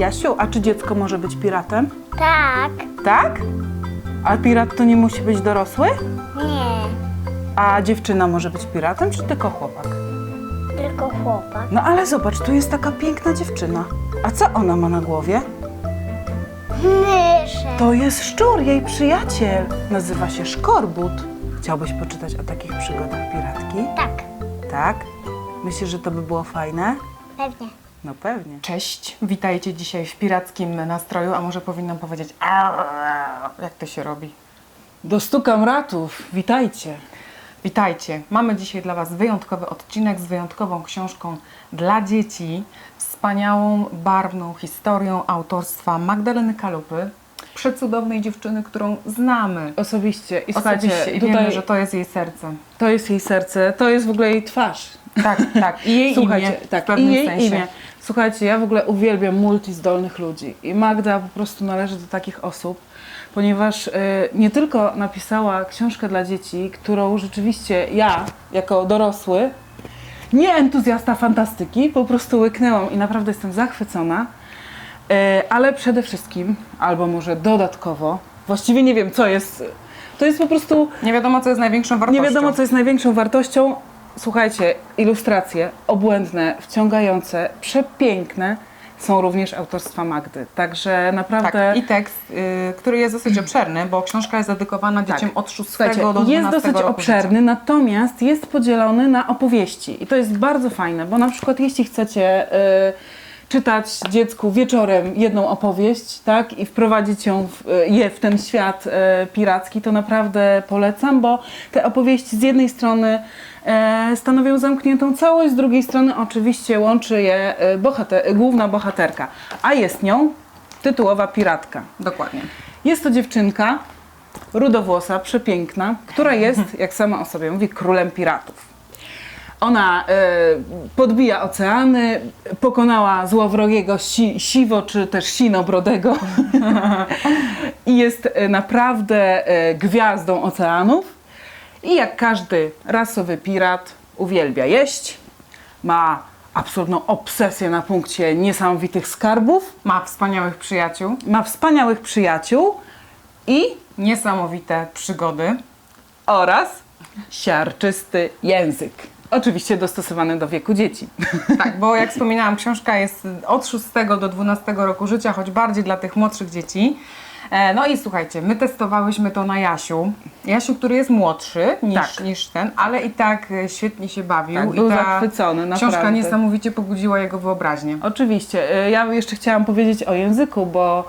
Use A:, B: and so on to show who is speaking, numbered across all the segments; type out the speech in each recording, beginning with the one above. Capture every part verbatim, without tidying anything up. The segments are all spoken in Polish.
A: Jasiu, a czy dziecko może być piratem?
B: Tak.
A: Tak? A pirat to nie musi być dorosły?
B: Nie.
A: A dziewczyna może być piratem, czy tylko chłopak?
B: Tylko chłopak.
A: No ale zobacz, tu jest taka piękna dziewczyna. A co ona ma na głowie?
B: Myszę.
A: To jest szczur, jej przyjaciel. Nazywa się Szkorbut. Chciałbyś poczytać o takich przygodach piratki?
B: Tak.
A: Tak? Myślisz, że to by było fajne?
B: Pewnie.
A: No pewnie.
C: Cześć, witajcie dzisiaj w pirackim nastroju, a może powinnam powiedzieć "Arr", jak to się robi.
A: Do stu kamratów, witajcie.
C: Witajcie, mamy dzisiaj dla Was wyjątkowy odcinek z wyjątkową książką dla dzieci, wspaniałą, barwną historią autorstwa Magdaleny Kalupy, przecudownej dziewczyny, którą znamy
A: Osobiście. I
C: osobiście
A: słuchajcie,
C: i
A: tutaj
C: wiemy, że to jest jej serce.
A: to jest jej serce, to jest w ogóle jej twarz.
C: Tak, tak, i jej
A: Słuchajcie,
C: imię
A: tak,
C: w pewnym
A: i jej
C: sensie.
A: imię. Słuchajcie, ja w ogóle uwielbiam multizdolnych ludzi i Magda po prostu należy do takich osób, ponieważ y, nie tylko napisała książkę dla dzieci, którą rzeczywiście ja, jako dorosły, nie entuzjasta fantastyki, po prostu łyknęłam i naprawdę jestem zachwycona, y, ale przede wszystkim, albo może dodatkowo, właściwie nie wiem co jest, to jest po prostu...
C: Nie wiadomo, co jest największą wartością.
A: Nie wiadomo, co jest największą wartością. Słuchajcie, ilustracje obłędne, wciągające, przepiękne są również autorstwa Magdy. Także naprawdę...
C: Tak, i tekst, y, który jest dosyć obszerny, bo książka jest dedykowana dzieciom
A: Tak.
C: od szóstego
A: Słuchajcie,
C: do dwunastego
A: jest dosyć
C: roku
A: obszerny,
C: życia.
A: natomiast jest podzielony na opowieści. I to jest bardzo fajne, bo na przykład jeśli chcecie y, czytać dziecku wieczorem jedną opowieść, tak, i wprowadzić ją w, je w ten świat y, piracki, to naprawdę polecam, bo te opowieści z jednej strony e, stanowią zamkniętą całość, z drugiej strony oczywiście łączy je e, bohater, główna bohaterka, a jest nią tytułowa piratka.
C: Dokładnie.
A: Jest to dziewczynka, rudowłosa, przepiękna, która jest, jak sama o sobie mówi, królem piratów. Ona e, podbija oceany, pokonała złowrogiego si, siwo czy też sinobrodego i jest e, naprawdę e, gwiazdą oceanów. I jak każdy rasowy pirat uwielbia jeść, ma absolutną obsesję na punkcie niesamowitych skarbów,
C: Ma wspaniałych przyjaciół,
A: ma wspaniałych przyjaciół i
C: niesamowite przygody.
A: oraz siarczysty język. Oczywiście dostosowany do wieku dzieci.
C: Tak, bo jak wspominałam, książka jest od szóstego do dwunastego roku życia, choć bardziej dla tych młodszych dzieci. E, No i słuchajcie, my testowałyśmy to na Jasiu. Jasiu, który jest młodszy niż,
A: Tak.
C: niż ten, ale i tak e, świetnie się bawił.
A: Tak,
C: I
A: był
C: ta
A: zachwycony,
C: książka
A: naprawdę.
C: niesamowicie pobudziła jego wyobraźnię.
A: Oczywiście. y, Ja jeszcze chciałam powiedzieć o języku, bo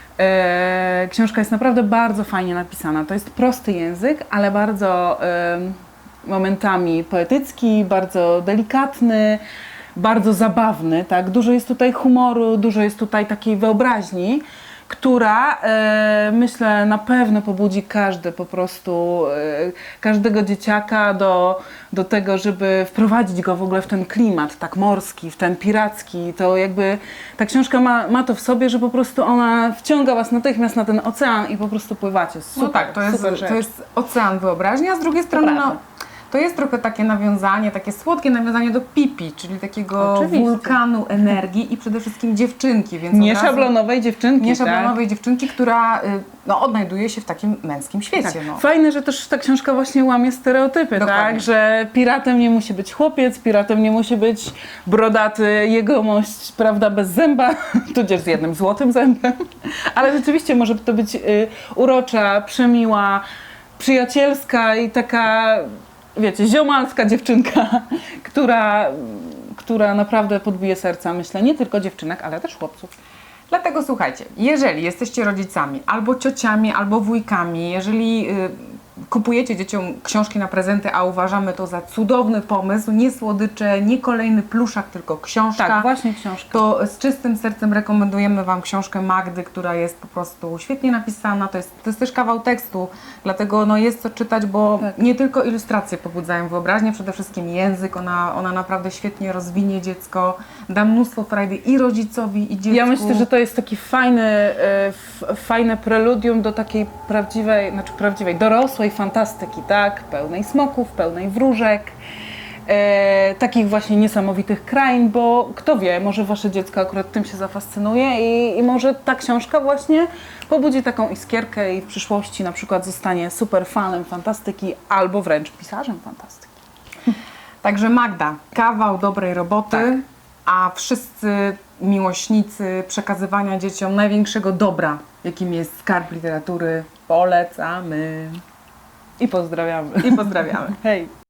A: e, książka jest naprawdę bardzo fajnie napisana. To jest prosty język, ale bardzo e, momentami poetycki, bardzo delikatny, bardzo zabawny. Tak? Dużo jest tutaj humoru, dużo jest tutaj takiej wyobraźni, która e, myślę na pewno pobudzi każdy po prostu, e, każdego dzieciaka do, do tego, żeby wprowadzić go w ogóle w ten klimat tak morski, w ten piracki. To jakby ta książka ma, ma to w sobie, że po prostu ona wciąga was natychmiast na ten ocean i po prostu pływacie. Super,
C: No tak, to jest,
A: super rzecz.
C: to jest ocean wyobraźni, a z drugiej strony no,
A: prawda.
C: to jest trochę takie nawiązanie, takie słodkie nawiązanie do Pipi, czyli takiego
A: Oczywiście.
C: wulkanu energii i przede wszystkim dziewczynki. Więc
A: Nie
C: od razu-
A: szablonowej dziewczynki,
C: Nie
A: tak?
C: szablonowej dziewczynki, która y, no, odnajduje się w takim męskim świecie.
A: Tak.
C: No.
A: Fajne, że też ta książka właśnie łamie stereotypy,
C: Dokładnie.
A: tak? Że piratem nie musi być chłopiec, piratem nie musi być brodaty jegomość, prawda, bez zęba, tudzież z jednym złotym zębem. Ale rzeczywiście może to być y, urocza, przemiła, przyjacielska i taka, wiecie, ziomalska dziewczynka, która, która naprawdę podbije serca, myślę, nie tylko dziewczynek, ale też chłopców.
C: Dlatego słuchajcie, jeżeli jesteście rodzicami, albo ciociami, albo wujkami, jeżeli y, kupujecie dzieciom książki na prezenty, a uważamy to za cudowny pomysł, nie słodycze, nie kolejny pluszak, tylko książka,
A: Tak, właśnie książka.
C: to z czystym sercem rekomendujemy Wam książkę Magdy, która jest po prostu świetnie napisana. To jest, to jest też kawał tekstu, dlatego no, jest co czytać, bo
A: Tak.
C: nie tylko ilustracje pobudzają wyobraźnię, przede wszystkim język. Ona, ona naprawdę świetnie rozwinie dziecko, da mnóstwo frajdy i rodzicowi, i dziecku.
A: Ja myślę, że to jest taki fajny, e, f, fajne preludium do takiej prawdziwej, znaczy prawdziwej, dorosłej fantastyki, tak? Pełnej smoków, pełnej wróżek, e, takich właśnie niesamowitych krain, bo kto wie, może wasze dziecko akurat tym się zafascynuje i, i może ta książka właśnie pobudzi taką iskierkę i w przyszłości na przykład zostanie super fanem fantastyki albo wręcz pisarzem fantastyki.
C: Także Magda, kawał dobrej roboty,
A: Tak.
C: a wszyscy miłośnicy przekazywania dzieciom największego dobra, jakim jest skarb literatury, polecamy
A: I pozdrawiamy.
C: i pozdrawiamy.
A: Hej!